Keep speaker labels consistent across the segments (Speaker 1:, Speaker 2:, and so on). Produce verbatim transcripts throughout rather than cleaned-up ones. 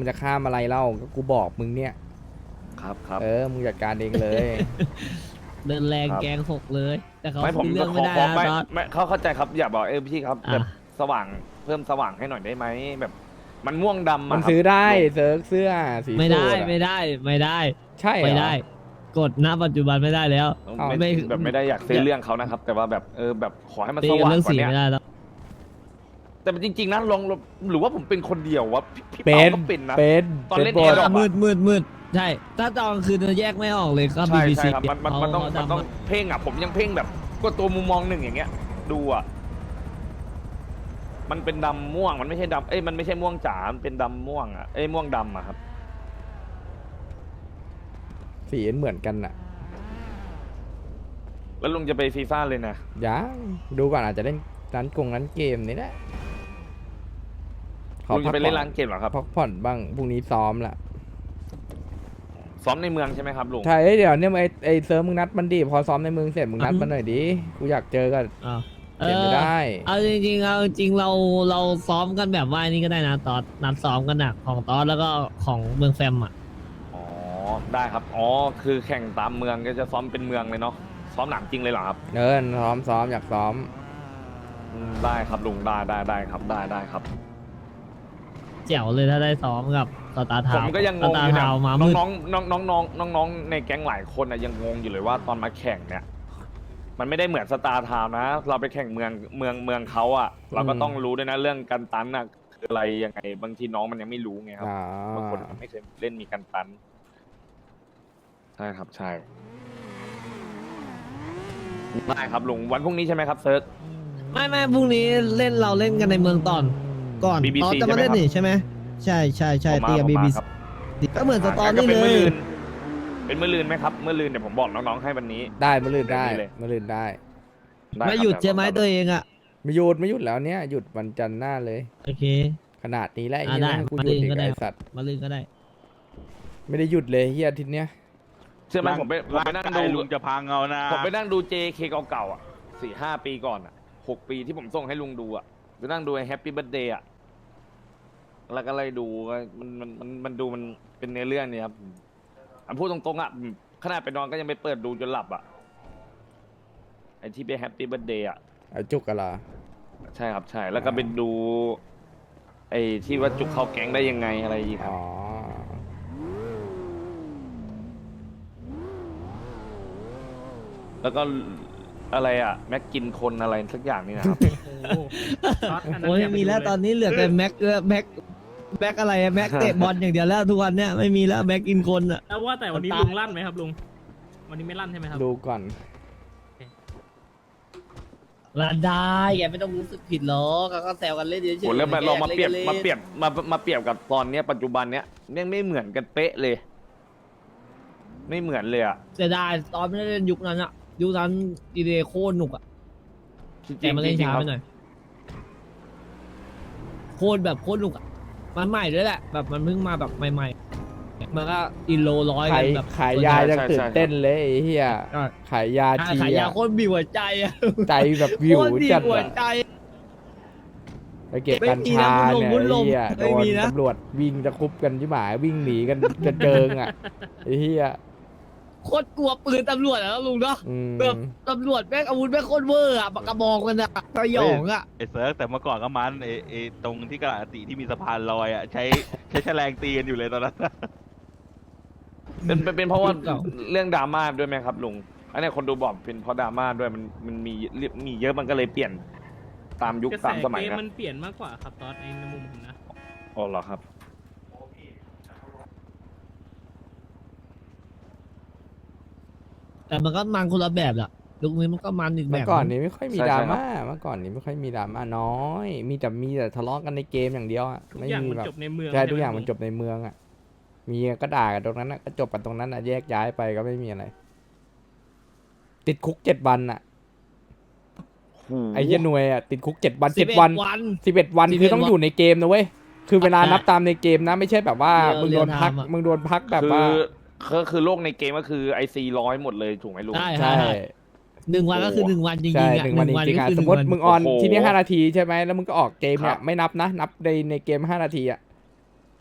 Speaker 1: มันจะข้ามอะไรเล่าก็กูบอกมึงเนี่ย
Speaker 2: ครับครับ
Speaker 1: เออมึงจัดการเองเลย
Speaker 3: เดินแรง
Speaker 2: ครับ
Speaker 3: แกงหกเลย แต่เขา
Speaker 2: ไม่ผม
Speaker 3: คุยเรื่อง
Speaker 2: ข
Speaker 3: ไม่
Speaker 2: อ
Speaker 3: ได้
Speaker 2: ขอ
Speaker 3: นะ
Speaker 2: ไม่
Speaker 3: ตอน
Speaker 2: ไม่เขาเข้าใจครับอยากบอกเออพี่ครับ
Speaker 3: อ่ะ
Speaker 2: แบบสว่างเพิ่มสว่างให้หน่อยได้ไหมแบบ มันม่วงดำ
Speaker 1: มัน
Speaker 2: อะครับ
Speaker 1: ซื้อได้
Speaker 2: ลุง
Speaker 1: เซิร์ฟเสื้อสี
Speaker 3: ไม่ได้
Speaker 1: สูทอะ
Speaker 3: ไม่ได้ไม่ได้
Speaker 1: ใช่เหรอ
Speaker 3: ไม่ได้ กฎณปัจจุบันไม่ได้แล้ว
Speaker 2: ลุง
Speaker 1: เอา
Speaker 2: ไม่
Speaker 3: ไม่
Speaker 2: แบบไม่ได้อยากซื้อเรื่องเขานะครับ แต่ว่าแบบเออแบบขอให้มัน
Speaker 3: ตี
Speaker 2: ส
Speaker 3: กัน
Speaker 2: ว่าง
Speaker 3: เรื่อง
Speaker 2: กว่า
Speaker 3: สี
Speaker 2: เนี้ย
Speaker 3: ไม่ได้แล้ว
Speaker 2: แต่จริง ๆนะลองหรือว่าผมเป็นคนเดียววะพี่พี่
Speaker 1: เป็
Speaker 2: เปาน ก็เป็นนะ
Speaker 1: เป็น
Speaker 2: ตอนเล่น
Speaker 1: ป็
Speaker 2: แอร์ดรอป
Speaker 3: มืดมืดมืดใช่ ถ้าตอนกลางคืนจะแยกไม่ออกเลยก็
Speaker 2: ใช่
Speaker 3: บีบี
Speaker 2: ใช่
Speaker 3: ซี
Speaker 2: ครับมันมันมันต้องมันต้องเพ่งอ่ะผมยังเพ่งแบบก็ตัวมุมมองหนึ่งอย่างเงี้ย ดูอ่ะมันเป็นดำม่วงมันไม่ใช่ดำเอ้ยมันไม่ใช่ม่วงจ๋ามันเป็นดำม่วงอ่ะเอ้ยม่วงดำอ่ะครับ
Speaker 1: สีเหมือนกันน่ะ
Speaker 2: แล้วลุงจะไปฟีฟ่าเลยนะ
Speaker 1: ยังดูก่อนอาจจะเล่นร้านกงร้านเกมนี่แหละขอ
Speaker 2: ลุง
Speaker 1: พั
Speaker 2: จะ
Speaker 1: ก
Speaker 2: ไป
Speaker 1: ผ่
Speaker 2: เล่
Speaker 1: อน
Speaker 2: นร้านเกมเหรอครับ
Speaker 1: พักผ่อนบ้างพรุ่งนี้ซ้อมละ
Speaker 2: ซ้อมในเมืองใช่ไหมครับลุง
Speaker 1: ใช่เอ้ยเดี๋ยวเนี่ยไอไอเซิร์ฟมึงนัดมันดิพอซ้อมในเมืองเสร็จมึงนัดมันหน่อยดิกูอยากเจอกัน
Speaker 3: อ้าว
Speaker 1: เปลี่ยนไม่ได้
Speaker 3: เอาจริงๆเอาจริงๆเราเราซ้อมกันแบบว่านี่ก็ได้นะตอนนัดซ้อมกันหนักของตอนแล้วก็ของเมืองแฟมอ่ะ
Speaker 2: อ๋อได้ครับอ๋อคือแข่งตามเมืองก็จะซ้อมเป็นเมืองเลยเนาะซ้อมหนังจริงเลยเหรอครับ
Speaker 1: เออซ้อมซ้อมอยากซ้อม
Speaker 2: อืมได้ครับลุงได้ได้ได้ครับได้ได้ครับ
Speaker 3: แจ๋วเลยถ้าได้ซ้อมกับสตาร์ทา
Speaker 2: ผ
Speaker 3: ว
Speaker 2: มก็ยังง
Speaker 3: ส
Speaker 2: ง
Speaker 3: ตา
Speaker 2: อ
Speaker 3: ร์
Speaker 2: ยู่
Speaker 3: ทา
Speaker 2: เนี่ยว
Speaker 3: มา
Speaker 2: น้
Speaker 3: มื
Speaker 2: อง
Speaker 3: ด
Speaker 2: น้องน้องน้องน้องน้องน้องๆในแก๊งหลายคนอะยังงงอยู่เลยว่าตอนมาแข่งเนี่ย มันไม่ได้เหมือนสตาร์ทาวนะ เราไปแข่งเมืองเมืองเมืองเขาอะเราก็ต้องรู้ด้วยนะเรื่องการตันอะคืออะไรยังไงบางทีน้องมันยังไม่รู้ไงครับ
Speaker 1: อ่า
Speaker 2: บางคนไม่เคยเล่นมีการตันใช่ครับใช่ได้ครับลุงวันพรุ่งนี้ใช่ไหมครับเซิร์ช
Speaker 3: ไม่ไม่พรุ่งนี้เล่นเราเล่นกันในเมืองตอน ก่อน
Speaker 2: บี บี
Speaker 3: ตอน
Speaker 2: ซี
Speaker 3: จะมาเล่น
Speaker 2: ใช่ไหมครับ
Speaker 3: นี่ใช่ไหมใช่ใช่ใช่
Speaker 2: ผมมา
Speaker 3: ตีกับ
Speaker 2: ผม
Speaker 3: บี
Speaker 2: มา
Speaker 3: บี
Speaker 2: ครับ
Speaker 3: ก็เหมือนสตอ
Speaker 2: งั้นก็
Speaker 3: รี่
Speaker 2: เป็น
Speaker 3: เล
Speaker 2: มื่อย ลืนเป็นมื่อลืนไหมครับมื่อลืนเดี๋ยวผมบอกน้องๆให้วันนี้
Speaker 1: ได้มาลื่นได้
Speaker 2: แบบนี้เลย
Speaker 1: มาลื่นได้
Speaker 2: ได้ครับ
Speaker 3: ไม่หยุดใช่ไหม
Speaker 2: ครับ
Speaker 3: ตัวเองอ่ะ
Speaker 1: ไม่หยุดไม่หยุดแล้วเนี่ยหยุดวันจันทร์หน้าเลย
Speaker 3: โอเค
Speaker 1: ขนาดนี้แล้วไอ้
Speaker 3: อ่า
Speaker 1: เหี้ย
Speaker 3: ได้
Speaker 1: ให้กู
Speaker 3: มา
Speaker 1: หยุด
Speaker 3: ลื่น
Speaker 1: อีก
Speaker 3: ก็ได้
Speaker 1: ไอสัตว์
Speaker 3: มาลื่นก็ได้
Speaker 1: ไม่ได้หยุดเลยเฮียอาทิตย์เนี้ย
Speaker 2: เชื่อไหมผมไปผมไปนั่งดู
Speaker 4: ลุงจะพังเอานะ
Speaker 2: ผมไปนั่งดู เจ เค เก่าๆอ่ะสี่ห้าปีก่อนอ่ะหกปีที่ผมส่งให้ลุงดูอ่ะไปนั่งดูไอ้แฮปปี้เบิร์ดเดย์อ่ะแล้วก็เลยดูก็มันมันมันมันดูมันเป็นเนื้อเรื่องเนี่ยครับอ่ะพูดตรงๆอ่ะขนาดไปนอนก็ยังไปเปิดดูจนหลับอ่ะไอ้ที่เป็นแฮปปี้เบิร์ดเดย์อ่ะ
Speaker 1: เอาจุกกันละ
Speaker 2: ใช่ครับใช่แล้วก็ไปดู ไอ้ที่ว่าจุกเข้าแก๊งได้ยังไงอะไรอย่างเงี้ยครับ
Speaker 1: อ๋อ
Speaker 2: แล้วก็อะไรอ่ะแม็กกินคนอะไรสักอย่างนี่นะครับ
Speaker 3: โอ้ยไม่มีแล้วตอนนี้เหลือแต่แม็กเออแม็กแม็กอะไรอะแม็กเตะบอลอย่างเดียวแล้วทุกวันเนี้ยไม่มีแล้วแม็กอินคนอ่ะ
Speaker 5: แล้วว่าแต่วันนี้
Speaker 3: ตา
Speaker 5: ลุงลั่นไหมครับลุง วันนี้ไม่ลั่นใช่ไหมครับ
Speaker 1: ดูก่อน
Speaker 3: ลาได้แกไม่ต้องรู้สึกผิดหรอกก็แซวกันเล่นเฉยๆ
Speaker 2: โหแล้วมาลองมาเปรียบ
Speaker 3: ล่น
Speaker 2: มาเปรียบมามาเปรียบกับตอนเนี้ยปัจจุบันเนี้ยยังไม่เหมือนกันเป๊ะเลย ไม่เหมือนเลยอ่ะ
Speaker 3: เสียดายตอนไม่ได้เล่นยุคนั้นอะยุคนั้นดีเดย์โคตรหนุกอะ
Speaker 2: จริงๆ
Speaker 3: แต่มาเล่น
Speaker 2: จริง
Speaker 3: ช้า
Speaker 2: ๆค
Speaker 3: ไป
Speaker 2: รับ
Speaker 3: หน่อยโคตรแบบโคตรหนุกอะมันใหม่ด้วยแหละ แบบมันเพิ่งมาแบบใหม่ๆมันก็อินโลร้อย
Speaker 1: ขา
Speaker 3: กั
Speaker 1: ย
Speaker 3: นแบบ
Speaker 1: ขายยายังตื่นเต้นเลยไอ้เฮีย
Speaker 3: ใช่
Speaker 1: ขายยา
Speaker 3: ใช่
Speaker 1: ที
Speaker 3: ขายยา
Speaker 1: อะ
Speaker 3: โคตรบีบหัวใจอะ
Speaker 1: ใจแบบวิว
Speaker 3: โคตรบี
Speaker 1: จั
Speaker 3: บ
Speaker 1: ด
Speaker 3: หัว
Speaker 1: อะ
Speaker 3: ใจ
Speaker 1: ไปเก็บ
Speaker 3: ไม่
Speaker 1: กัญ
Speaker 3: มี
Speaker 1: ชา
Speaker 3: นะ
Speaker 1: เนี่ย
Speaker 3: บุญหลง
Speaker 1: ไอ้เฮีย
Speaker 3: บุญหลงไม่
Speaker 1: โดน
Speaker 3: มีนะ
Speaker 1: ตำรวจวิ่งจะคุบกันที่หมายวิ่งหนีกันกระเจิงอ่ะไอ้เฮีย
Speaker 3: โคตรกลัวปืนตำรวจอะลุงเนาะ
Speaker 1: อืม
Speaker 3: แบบตำรวจแม่งอาวุธแม่งโคตรเวอร์อะปากกระบอกกันอะสยองอะ
Speaker 4: ไอ้เซิร์ฟแต่เมื่อก่อนก็มันไอ้ไอ้ตรงที่กระดาษติที่มีสะพานลอยอ่ะใช้ใช้แฉลงตีกันอยู่เลยตอนนั้น
Speaker 2: เป็นเป็นเป็นเพราะว่าเรื่องดราม่าด้วยไหมครับลุงอันนี้คนดูบอกเป็นเพราะดราม่าด้วยมันมันมีมีเยอะมันก็เลยเปลี่ยนตามยุค
Speaker 5: กระแส
Speaker 2: ตามสมัย
Speaker 5: เกม
Speaker 2: นะ
Speaker 5: มันเปลี่ยนมากกว่าครับตอนในมุมผมนะ
Speaker 2: อ๋อเหรอครับ
Speaker 3: แต่มันก็มันคนละแบบอะยุคนี้มันก็มันอีกแบ
Speaker 1: เมื่อบ ก่อน
Speaker 3: นึง
Speaker 1: นี้ไม่ค่อยมี
Speaker 2: ใช่
Speaker 1: ดรา
Speaker 2: ใช่ครับ
Speaker 1: ม่าเมื่อก่อนนี้ไม่ค่อยมีดราม่าน้อย มีแต่มีแต่ทะเลาะกันในเกมอย่างเดียวอ่ะ
Speaker 5: ทุก
Speaker 1: ไม่
Speaker 5: อย่าง
Speaker 1: มี
Speaker 5: มัน
Speaker 1: แบบ
Speaker 5: จบในเมือง
Speaker 1: ใช่
Speaker 5: ไห
Speaker 1: ทุกอย่างมัน
Speaker 5: ลุ
Speaker 1: จบในเมืองอ่ะมีก็ด่ากันตรงนั้นอ่ะก็จบกันตรงนั้นอ่ะแยกย้ายไปก็ไม่มีอะไร ติดคุกเจ็ดวันอ่ะไอ้เหี้ยหน่วยอ่ะติดคุกเจ็ดวัน
Speaker 3: สิ
Speaker 1: เจ็
Speaker 3: บ
Speaker 1: ด
Speaker 3: เอ็ด
Speaker 1: วัน
Speaker 3: วัน
Speaker 1: สิบเอ็ดวัน
Speaker 3: สิบเอ็ด
Speaker 1: คือต้อง
Speaker 3: วัน
Speaker 1: อยู่ในเกมนะเว้ยคือเวลา
Speaker 3: อ่ะ
Speaker 1: นับตามในเกมนะ ไม่ใช่แบบว่า
Speaker 3: เรียล
Speaker 1: มึงโดนพัก
Speaker 3: เรียลไทม์อะ
Speaker 1: มึงโดนพักแบบ
Speaker 2: คือ
Speaker 1: ว่า
Speaker 2: ก็คือโลกในเกมก็คือไอซีร้อยหมดเลยถูกไหมลุง
Speaker 3: ใช่
Speaker 1: ใช่
Speaker 3: ใช่หนึ่งวันก็คือหนึ่งวันจริง
Speaker 1: ใช่
Speaker 3: ๆอะ
Speaker 1: หนึ่งวันจริงๆอ่ะ
Speaker 3: ก็คือ
Speaker 1: สมมติ
Speaker 3: หนึ่
Speaker 1: มึ
Speaker 3: ง
Speaker 1: ง
Speaker 3: วัน
Speaker 1: ออน
Speaker 2: โอ้โห
Speaker 1: ที่นี่ห้านาทีใช่ไหมแล้วมึงก็ออกเกมเนี่
Speaker 2: ครั
Speaker 1: ย
Speaker 2: บ
Speaker 1: ไม่นับนะ นับในในเกมห้านาทีอ่ะ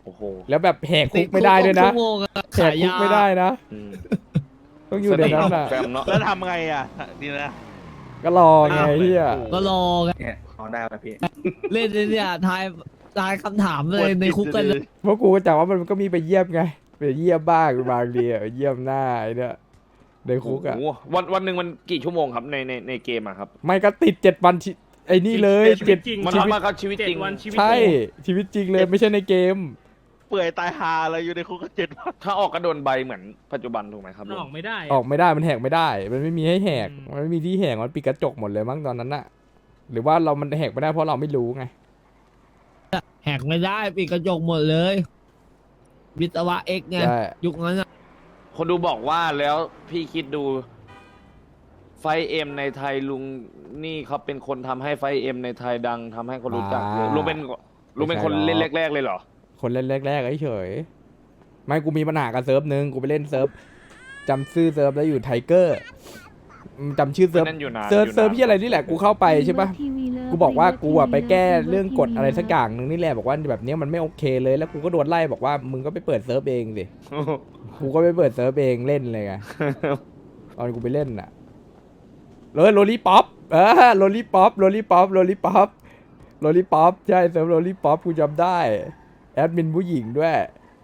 Speaker 2: โอ้โห
Speaker 1: แล้วแบบแหกคุกไม่ได้ด้วยนะ
Speaker 3: ติคุกหกชั่วโมงอะ
Speaker 1: แหกคุกไม่ได้นะ
Speaker 2: อืม
Speaker 1: ต้องอยู่ในนั้นอ่ะ
Speaker 2: แฟมเนาะ
Speaker 4: แล้วทำไงอ่ะทีนะ
Speaker 1: ก็รอไงเฮีย
Speaker 3: ก็รอไง
Speaker 6: เนี่ยเขาได้แล้วพี่
Speaker 3: เล่นเนี่ยทายทายคำถามเลยในคุกกันเลย
Speaker 1: เพราะกูก็จำว่ามันก็มีไปเยี่ยมไงไปเยี่ยมบ้างบางทีอะเยี่ยมหน้าไอ้เนี่ยในคุกอ่ะ
Speaker 2: โอ้โหวันวันหนึ่งมันกี่ชั่วโมงครับในในในเกมอะครับ
Speaker 1: ไม่ก็ติดเจ็ดวันที่ไอ้นี่เลย
Speaker 5: ชีวิ
Speaker 1: เจ็ด
Speaker 5: ตจริง
Speaker 2: มัน
Speaker 1: ชีวิต
Speaker 2: มากับชีวิต
Speaker 5: เจ็ด
Speaker 2: จริง
Speaker 5: วันชีวิต
Speaker 1: ใช่
Speaker 5: จริง
Speaker 1: ชีวิตจริงเลยไม่ใช่ในเกม
Speaker 4: เปื่อยตายหาอะไรอยู่ในคุกก็เจ็ดวัน
Speaker 2: ถ้าออกก็โดนใบเหมือนปัจจุบันถูกไหมครับ
Speaker 5: มันออกไม่ได้
Speaker 1: ออกไม่ได้มันแหกไม่ได้ มันไม่มีให้แหก
Speaker 5: อืม
Speaker 1: มันไม่มีที่แหกมันปิดกระจกหมดเลยมั้งตอนนั้นน่ะ หรือว่าเรามันแหกไม่ได้เพราะเราไม่รู้ไง
Speaker 3: แหกไม่ได้ปิดกระจกหมดเลย วิศวะเอ็กไง
Speaker 1: ใช่
Speaker 3: ยุคนั้นอะ
Speaker 2: คนดูบอกว่าแล้วพี่คิดดู ไฟเอ็มในไทยลุงนี่เขาเป็นคนทำให้ไฟเอ็มในไทยดังทำให้คนรู้จักเยอะลุงเป็นลุงเป็นคนเล่นแรกๆเลยเหรอ
Speaker 1: คนเล่นแรกๆเฉยๆไม่กูมีปัญหากับเซิร์ฟหนึ่งกูไปเล่นเซิร์ฟจำชื่อเซิร์ฟแล้วอยู่ไทเกอร์จำชื่อเซิร์ฟ
Speaker 2: นั่นอยู่นาน
Speaker 1: เซิร์ฟ
Speaker 2: อยู่นาน
Speaker 1: เซิร์ฟที่อะไรนี่แหละกูเข้าไปใช่ปะกูบอกว่ากูอะไปแก้เรื่องกฎอะไรสักอย่างหนึ่งนี่แหละบอกว่าแบบเนี้ยมันไม่โอเคเลยแล้วกูก็โดนไล่บอกว่ามึงก็ไปเปิดเซิร์ฟเองสิกูก็ไปเปิดเซิร์ฟเองเล่นเลยไงตอนกูไปเล่นน่ะเลยโรลี่ป๊อปเออโรลี่ป๊อปโรลี่ป๊อปโรลี่ป๊อปโรลี่ป๊อปใช่เซิร์ฟโรลี่ป๊อปกูจำได้แอดมินผู้หญิงด้วย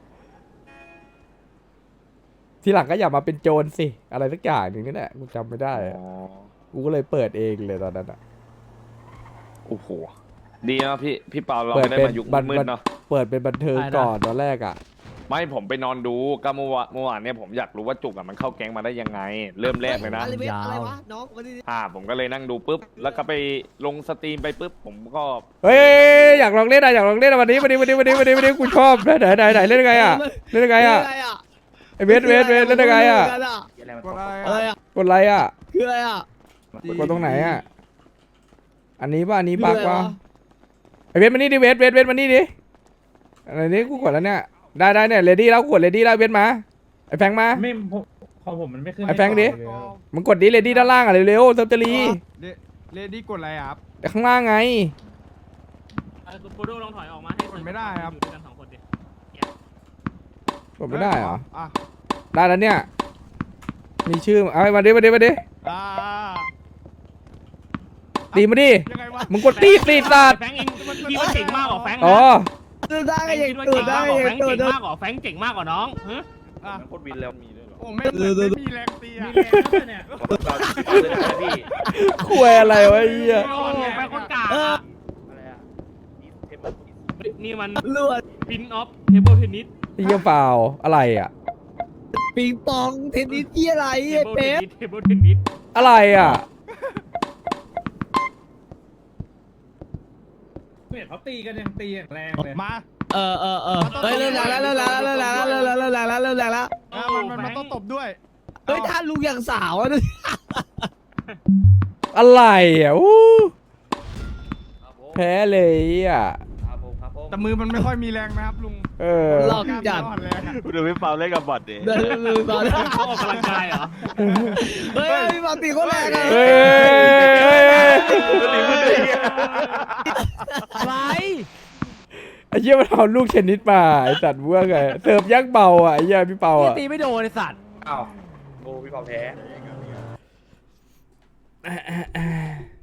Speaker 1: ทีหลังก็อย่ามาเป็นโจรสิอะไรสักอย่างหนึ่งนี่แหละกูจำไม่ได้อะ
Speaker 2: อ๋อ
Speaker 1: กูก็เลยเปิดเองเลยตอนนั้นอะ
Speaker 2: โอ้โหดีนะพี่พี่เปาเรา
Speaker 1: เปิด
Speaker 2: ไม่ได้
Speaker 1: เป็น
Speaker 2: มายุค
Speaker 1: บัน
Speaker 2: มืดๆเนาะ
Speaker 1: เปิดเป็นบันเทิงก่อนตอนแรกอะ
Speaker 2: ไม่ผมไปนอนดูก็เมื่อวานเมื่อวานเนี่ยผมอยากรู้ว่าจุกอะมันเข้าแก๊งมาได้ยังไง เริ่มแรกเลยนะ
Speaker 3: อะไรวะอะไรวะน้องวันนี้
Speaker 2: อ่าผมก็เลยนั่งดูปุ๊บแล้วก็ไปลงสตรีมไปปุ๊บผมก็
Speaker 1: เฮ้ยอยากลองเล่นอะอยากลองเล่นอะวันนี้วันนี้วันนี้วันนี้วันนี้วันนี้กูชอบไหนไหนไหนเล่นยังไงอะเล่นยังไงอะ
Speaker 3: คืออะไรอะ
Speaker 1: ไอเวทเวทเวทเล่นยังไงอะ
Speaker 6: อะไรมัน
Speaker 3: อะไรอะ
Speaker 1: กดอะไรอะ
Speaker 3: คืออะไรอะ
Speaker 1: กดตรงไหนอะอันนี้ป่ะอันนี้
Speaker 3: คือ
Speaker 1: ปาก
Speaker 3: อะไร
Speaker 1: ป่ะ
Speaker 3: วะ
Speaker 1: ไอเวทมานี่ดิเวทเวทเวทมานี่ดิอะไรนี้กูกดแล้วเนี่ยได้ได้เนี่ยเรดี้แล้วกดเรดี้แล้วเวทมาไอแฟงมา
Speaker 7: ไม่ผมของผมมันไม่ขึ้น
Speaker 1: ไอ้แฟงดิ มึงกดดิเรดี้ด้านล่างอะเร็วๆเซิร์ฟจะรี
Speaker 8: เลดี้กดอะไรครับ
Speaker 1: ข้างล่างไง
Speaker 5: เออคุณโปโดลองถอยออกมาให้
Speaker 8: กดไม่ได้ครับ
Speaker 5: อยู่ด้วยกันสองคนดิ
Speaker 1: กดไม่ได้เหรอ
Speaker 8: อ่ะ
Speaker 1: ได้แล้วเนี่ย มีชื่อ เอามาดิมาดิมาดิ
Speaker 8: อ่า
Speaker 1: ตีมาดิ
Speaker 8: ยังไงวะ
Speaker 1: มึงกดตีตีสัตว์
Speaker 5: แฟงเองพี่ว่าเจ๋งมากกว่าแฟงนะ
Speaker 1: อ๋อ
Speaker 3: ตื่นได้
Speaker 5: แฟ
Speaker 3: ก็
Speaker 5: ง
Speaker 3: ยัง
Speaker 5: คิดว่า
Speaker 3: ตื่
Speaker 5: เจ๋
Speaker 3: น
Speaker 5: ง
Speaker 3: ได้
Speaker 5: มากก
Speaker 3: ก็
Speaker 5: ว่าแฟ
Speaker 3: ยัง
Speaker 5: ง
Speaker 3: ตื่น
Speaker 5: เจ๋ง
Speaker 3: ได้
Speaker 5: มากกว่าแฟงเจ๋งมากกว่าน้องฮะ
Speaker 8: อ่ะ
Speaker 2: โคตรวินแล้วมีด้วยเหรอ
Speaker 8: โอ้ไม่เหมือนไม่มีแรงตี
Speaker 5: มี
Speaker 8: อ่ะ
Speaker 5: แรงด้วยเนี่ย
Speaker 2: พี่
Speaker 1: คุยอะไรวะไอ้เหี้ย
Speaker 5: โอ้โหแฟงคนกลาง
Speaker 3: เออ
Speaker 2: อะไรอะ
Speaker 5: นี่มัน
Speaker 3: ลวด
Speaker 5: ปินออฟเทเบิลเทนนิส
Speaker 1: ไอ้เหี้ยฟาวอะไรอ่ะ
Speaker 3: ปิงปองเทนนิสที่อะไร
Speaker 5: เท
Speaker 3: ไอ้
Speaker 5: เบิลเท
Speaker 3: เป๊
Speaker 5: น
Speaker 3: ป
Speaker 5: นิสเทเบิลเทนนิส
Speaker 1: อะไรอ่ะ
Speaker 7: เนี่ยเขาตีกันยังตีอย่างแรงเลย
Speaker 8: มา
Speaker 3: เออเออเออเฮ้ยเริ่มแรงแล้วเริ่มแรงแล้วเริ่มแรงแล้วเริ่มแรงแล้วเริ่มแรงแล้วเริ่มแรงแล้ว
Speaker 8: อ่ะมันมันมันต้องตบด้วย
Speaker 3: เฮ้ยท่านลุงอย่างสาวอะ
Speaker 1: อะไรอ่ะอู้แพ้เลยอ่ะ
Speaker 8: แต่มือมันไม่ค่อยมีแรงนะครับลุง
Speaker 1: เออ
Speaker 3: หลอกจัด
Speaker 8: กล้ามมันอ่อนแรงอะ
Speaker 4: ดูพี่เปาเล่นกับบอทดิ
Speaker 3: เดินลืมตอน
Speaker 5: เขาออกกำลังกายเหรอ
Speaker 3: เฮ้ยพี่บอลตีโคตรแรงอะ
Speaker 1: เฮ้ยเฮ้ยเฮ้ย
Speaker 3: อะไร
Speaker 1: ไอ้เหี้ยมันเอาลูกเทนนิสมาไอ้สัตว์เบื่อไงเสิร์ฟยักษ์เบาอ่ะไอ้เหี้ยพี่เปาอ่ะ
Speaker 3: ตีไม่โดนไอ้สัตว์
Speaker 6: อ้าวโอ้พี่เปาแพ้